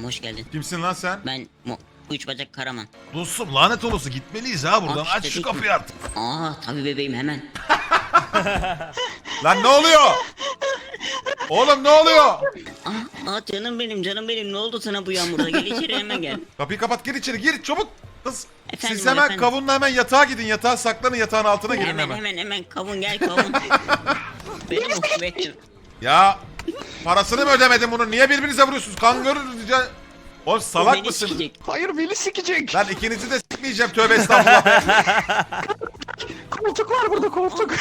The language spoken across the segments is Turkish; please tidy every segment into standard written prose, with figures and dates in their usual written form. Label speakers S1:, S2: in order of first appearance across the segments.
S1: hoş geldin.
S2: Kimsin lan sen?
S1: Ben üç bacak Karaman.
S2: Dostum lanet olası gitmeliyiz ha buradan.
S1: Aç
S2: Aç şu
S1: dedik
S2: kapıyı
S1: mi?
S2: artık.
S1: Tabii bebeğim hemen.
S2: Lan ne oluyor? Oğlum ne oluyor?
S1: Canım benim ne oldu sana bu yağmurda, gel içeri hemen gel.
S2: Kapıyı kapat, gir içeri, gir çabuk. Kız.
S1: Efendim,
S2: Siz hemen
S1: efendim.
S2: kavunla hemen yatağa gidin. Yatağa saklanın, yatağın altına girin hemen.
S1: Hemen kavun gel kavun. Benim benim.
S2: Ya parasını mı ödemedin bunun? Niye birbirinize vuruyorsunuz? Kan görürüz ya. Oğlum salak
S1: Beni
S2: mısınız?
S1: sikecek.
S3: Hayır beni sikecek.
S2: Lan ikinizi de sikmeyeceğim, tövbe estağfurullah.
S3: Koltuk var burada koltuk.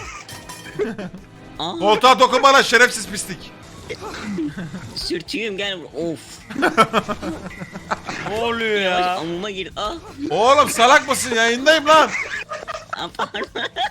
S2: Koltuğa dokunma lan şerefsiz pislik.
S1: Sürtüyüm gel. Of.
S4: Ne oluyor
S1: Yavaş
S4: ya?
S1: amuma gir.
S2: Oğlum salak mısın? Yayındayım lan.
S1: Pardon.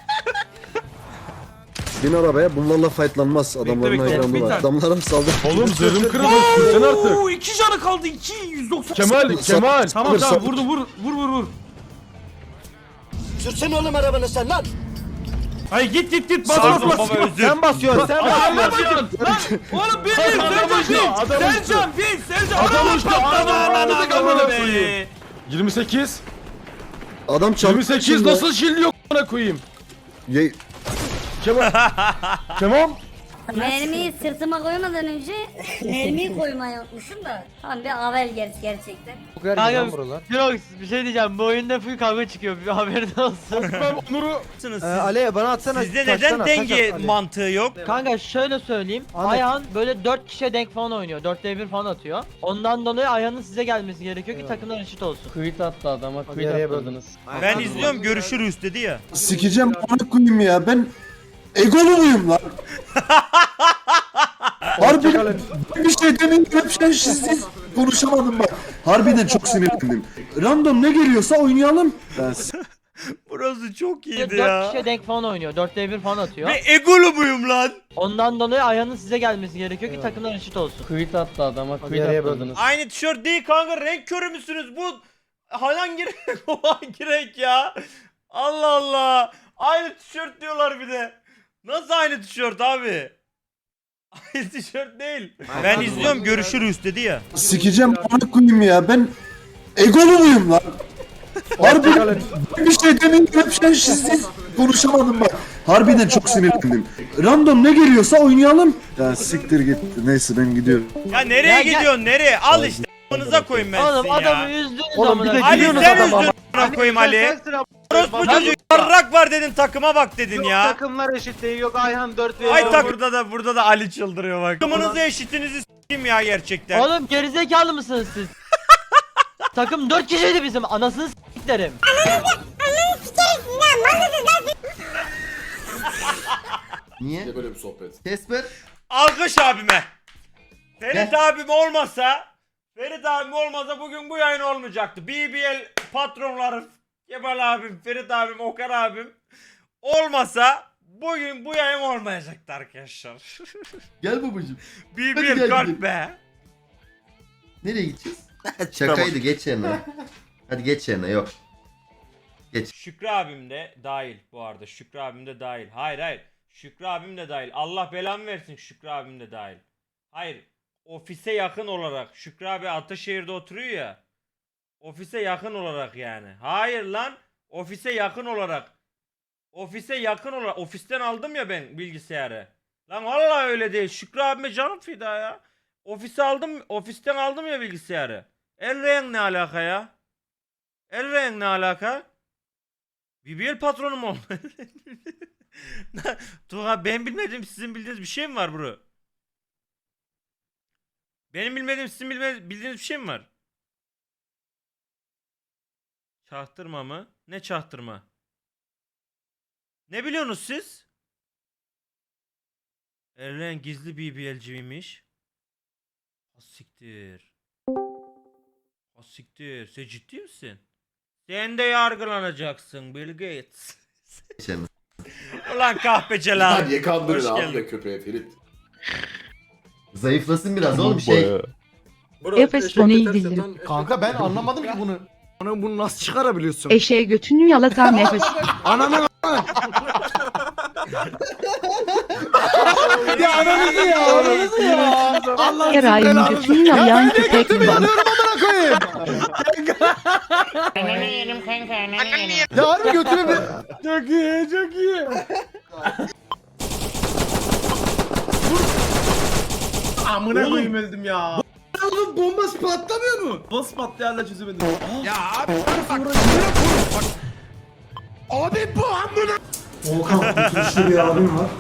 S5: Bin arabaya bunlarla fightlanmaz. Adamların
S4: bekle,
S5: hayranı
S4: bir
S5: var.
S4: tane.
S5: Adamlara mı saldı?
S6: Oğlum zırhım kırıldı. Sen artık.
S4: Oo, 2 canı kaldı. 190.
S6: Kemal, Kemal.
S4: Tamam vurdu vur.
S5: Sürsene oğlum arabanı sen lan.
S4: Hayır git bas
S6: Sardım
S4: bas.
S6: baba, özür.
S5: Sen basıyorsun sen
S4: Adam
S5: basıyorsun.
S4: basıyorsun. Lan oğlum bin Sercan bin. Sercan.
S6: Adam uçtu,
S4: Ananı
S6: adamı
S4: be.
S6: 28.
S5: Adam çaldı.
S6: 28 nasıl şilliyor bana koyayım?
S5: Ye...
S6: Kemal. Kemal.
S7: Mermiyi sırtıma koymadan önce mermiyi koymayı unutmuşum da. Tam bir avel gerçekten.
S8: Kanka Jirox bir şey diyeceğim, bu oyunda full kavga çıkıyor, bir haberin olsun.
S6: Ben Onur'u.
S8: Ali bana atsana.
S4: Sizde neden denge mantığı yok?
S8: Kanka şöyle söyleyeyim, Ayhan böyle 4 kişiye denk falan oynuyor, 4'te 1 falan atıyor. Ondan dolayı Ayhan'ın size gelmesi gerekiyor ki takımlar eşit olsun.
S9: Kuyut attı adama, kuyut atladınız.
S4: Ben izliyorum, görüşürüz dedi ya.
S5: Sikeceğim bana koyayım ya. Ben egolu muyum lan? Harbiden bir şey demeyin hep siz konuşamadım bak. Harbiden çok sinirlendim. Random ne geliyorsa oynayalım. Ben
S4: Burası çok iyiydi
S8: 4
S4: ya.
S8: kişiye denk falan oynuyor, 4'te 1 falan atıyor.
S4: Ve egolu muyum lan?
S8: Ondan dolayı Ayhan'ın size gelmesi gerekiyor ki takımlar eşit olsun.
S9: Kuyut attı adama, kuyut atladınız.
S4: Aynı tişört değil kanka, renk körü müsünüz? Bu hangi renk, o hangi renk ya? Allah Allah. Aynı tişört diyorlar bir de. Nasıl aynı tişört abi? Aynı tişört değil. Ben izliyorum, görüşürüz dedi ya.
S5: sikeceğim bana koyayım ya. Ben egolu muyum lan? Harbiden bir şey demeyin hep siz konuşamadım bak. Harbiden çok sinirlendim. Random ne geliyorsa oynayalım. Ya siktir git. Neyse ben gidiyorum.
S4: Ya nereye gidiyorsun, nereye? Al işte. Amanıza koyayım ben
S8: Oğlum
S4: sizin
S8: adamı
S4: ya.
S8: üzdünüz
S5: Oğlum,
S8: amına.
S5: bir de
S4: Ali
S5: gülüyorsunuz
S4: sen
S5: adama.
S4: üzdün amına koyayım Ali. Orospu çocuğu yarrak var dedin, takıma bak dedin ya.
S9: Takımlar eşit değil, yok Ayhan 4 ve
S4: Ay tak burada da Ali çıldırıyor bak. Takımınızı eşitinizi s**eyim ya gerçekten.
S8: Oğlum gerizekalı mısınız siz? Takım 4 kişiydi bizim, anasını s**lerim.
S5: Niye?
S3: Böyle bir sohbet.
S5: Kesper.
S4: Alkış abime. Ferit abim olmasa bugün bu yayın olmayacaktı. BBL patronları Kemal abim, Ferit abim, Okan abim olmasa bugün bu yayın olmayacaktı arkadaşlar.
S5: Gel babacım.
S4: BBL
S5: gel
S4: kalk
S5: gidelim.
S4: be.
S5: Nereye gideceğiz? Şakaydı geç yerine. Hadi geç yerine yok.
S4: Şükrü abim de dahil bu arada. Şükrü abim de dahil. Hayır. Şükrü abim de dahil. Allah belamı versin, Şükrü abim de dahil. Hayır. Ofise yakın olarak. Şükrü abi Ataşehir'de oturuyor ya. Ofise yakın olarak yani. Hayır lan. Ofise yakın olarak. Ofisten aldım ya ben bilgisayarı. Lan vallahi öyle değil. Şükrü abime canım fida ya. Ofisten aldım ya bilgisayarı. Elren ne alaka ya? Elren ne alaka? BBL patronu mu oldu? Tuğha, ben bilmediğim sizin bildiğiniz bir şey mi var bro? Benim bilmediğim sizin bildiğiniz bir şey mi var? Çaktırma mı? Ne çaktırma? Ne biliyorsunuz siz? Eren gizli BBL'ciymiş. Siktir. Siktir. Sen ciddi misin? Sen de yargılanacaksın Bill Gates. Ulan kahpeceler.
S3: Hadi kandırın
S4: Hoş
S3: abi
S4: geldin.
S3: de köpeğe Ferit.
S5: Zayıflasın biraz oğlum şey.
S10: Efes onu iyi bildirim.
S9: Kanka ben anlamadım ki bunu.
S3: Bunu nasıl çıkarabiliyorsun?
S10: Eşeğe götünü yalatan nefes.
S3: Ananı
S6: Ya ananızı ya ananızı ya. Allah
S10: Her ayın götünü yalayan köpek mi?
S6: amına koyayım. Ya harbi götüne bir... Çok iyi çok iyi. Amına koyayım öldüm ya.
S3: Oğlum bombası patlamıyor mu? Nasıl patlıyor hala çözemedim.
S2: Ya abi bak.
S3: Abi bu amına.
S5: Volkan oturuşlu bir abim var.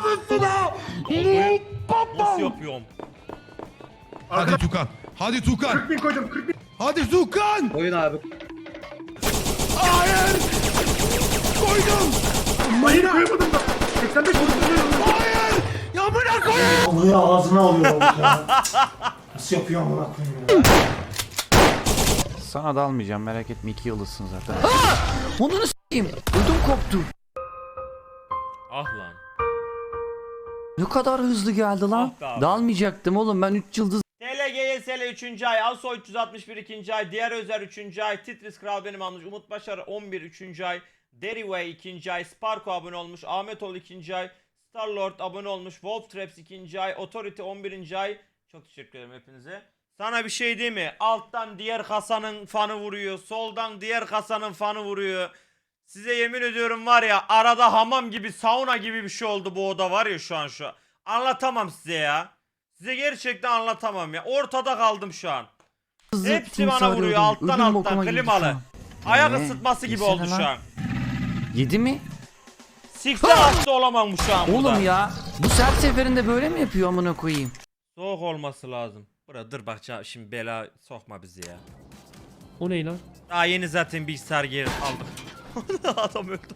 S4: Nasıl yapıyorum?
S2: Hadi Tukan. Hadi Tukan.
S3: 40 bin koydum 40 bin.
S2: Hadi Tukan.
S3: Oyun abi.
S2: Hayır. Koydum.
S3: Hayır koyamadım da. 85 koydum.
S2: Hayır. Ya bırak koyayım.
S5: Olayı ağzına alıyor ya. Nasıl yapıyor amına koyayım ya?
S3: Sana da almayacağım merak etme 2 yıldızsın zaten.
S1: Onunu s**eyim. Ödüm koptu.
S4: Ah lan.
S1: Ne kadar hızlı geldi lan.
S4: Ah be abi.
S1: Dalmayacaktım oğlum ben 3 yıldız.
S4: TLGSL 3. ay, Aso 361 2. ay, Diğer Özer 3. ay, Titris Kral benim almış, Umut Başar 11 3. ay, Deryway 2. ay, Sparko abone olmuş, Ahmetol 2. ay, Starlord abone olmuş, Wolf Traps 2. ay, Authority 11. ay. Çok teşekkür ederim hepinize. Sana bir şey değil mi? Alttan diğer kasanın fanı vuruyor, soldan diğer kasanın fanı vuruyor. Size yemin ediyorum var ya arada hamam gibi, sauna gibi bir şey oldu bu oda var ya şu an şu. Anlatamam size ya. Size gerçekten anlatamam ya. Ortada kaldım şu an. Hepsi bana vuruyor alttan klimalı. Ayak ısıtması gibi oldu şu an.
S1: 7 mi?
S4: Siktir hasta olamam şu an burada.
S1: Oğlum ya bu her seferinde böyle mi yapıyor amına koyayım?
S4: Soğuk olması lazım. Dur bak şimdi bela sokma bizi ya.
S9: O ne lan?
S4: Daha yeni zaten bilgisayar geri aldık. Adam öldü.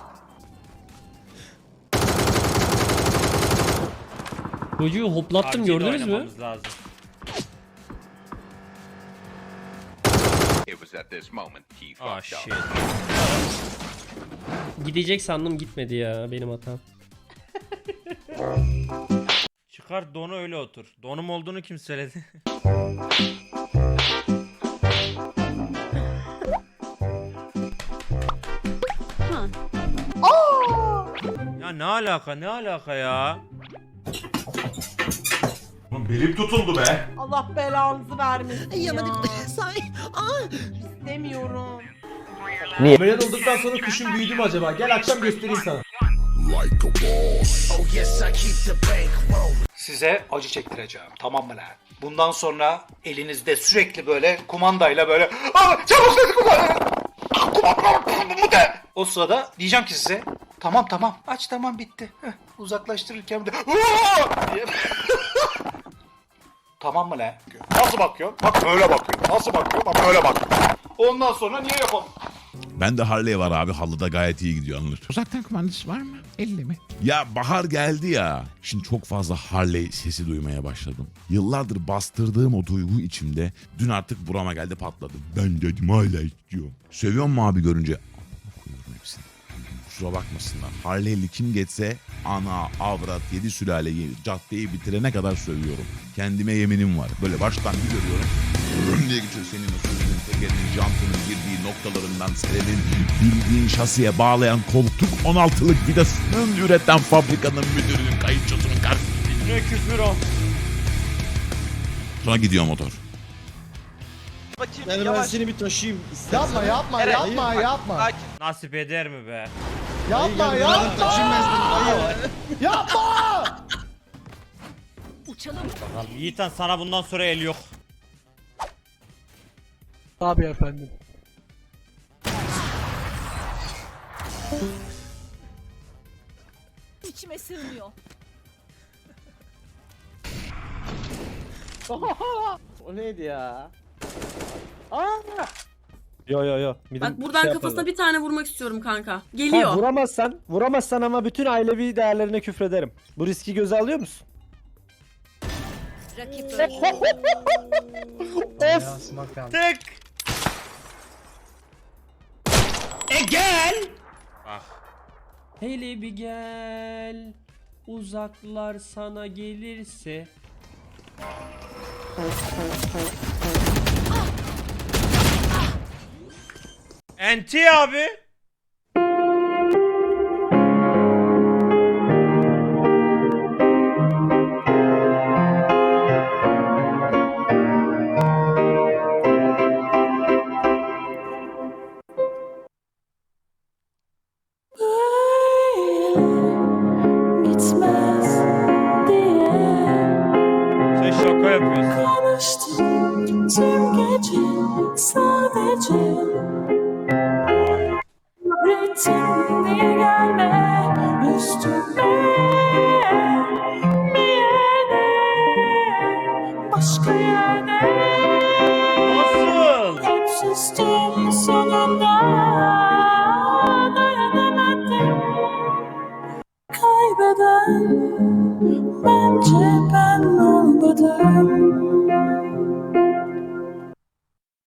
S9: Çocuğu hoplattım
S4: PUBG'de
S9: gördünüz mü?
S4: oynamamız lazım. Ah shit.
S9: Gidecek sandım gitmedi ya benim hatam.
S4: Çıkar donu öyle otur. Donum olduğunu kim söyledi? Ya ne alaka ya?
S2: Oğlum belim tutuldu be.
S8: Allah belanızı vermesin ya. İstemiyorum.
S6: Ameliyat olduktan sonra kuşun büyüdü mü acaba? Gel akşam göstereyim sana.
S3: Size acı çektireceğim. Tamam mı lan? Bundan sonra elinizde sürekli böyle kumandayla böyle çabuk dedi kumanda de. O sırada diyeceğim ki size tamam aç tamam bitti. Heh, uzaklaştırırken bir de diye. Tamam mı lan? Nasıl bakıyor? Bak böyle bakıyor. Nasıl bakıyor? Bak böyle bakıyor. Ondan sonra niye yapalım?
S2: Ben de Harley var abi. Halıda gayet iyi gidiyor anılır. Uzaktan kumandası var mı? 50 mi? Ya bahar geldi ya. Şimdi çok fazla Harley sesi duymaya başladım. Yıllardır bastırdığım o duygu içimde dün artık burama geldi patladı. Ben dedim hala istiyorum. Seviyor mu abi görünce? Koyuyorum hepsini. Kusura bakmasınlar. Harley'li kim geçse ana, avrat, 7 sülaleyi caddeyi bitirene kadar sövüyorum. Kendime yeminim var. Böyle baştan bir görüyorum. Rüm diye geçiyor senin o sözünün tekerinin jantının girdiği noktalarından senin bildiğin şasiye bağlayan koltuk 16'lık vidasının üreten fabrikanın müdürünün kayıtçısının karşısında.
S4: Ne küfür o?
S2: Sonra gidiyor motor.
S3: Yani ben seni bir taşıyayım.
S6: Yapma.
S4: Nasip eder mi be?
S6: Yapma.
S4: Bakalım Yiğitan sana bundan sonra el yok.
S6: Abi efendim.
S8: İçime sığmıyor.
S9: O neydi ya?
S6: Yo.
S8: Bak buradan kafasına bir tane vurmak istiyorum kanka. Geliyor.
S6: Vuramazsan ama bütün ailevi değerlerine küfrederim. Bu riski göze alıyor musun?
S4: Tek. Gel. Bak.
S9: Hele bir gel. Uzaklar sana gelirse.
S4: Enti abi.
S10: kaybeden bence ben olmadım.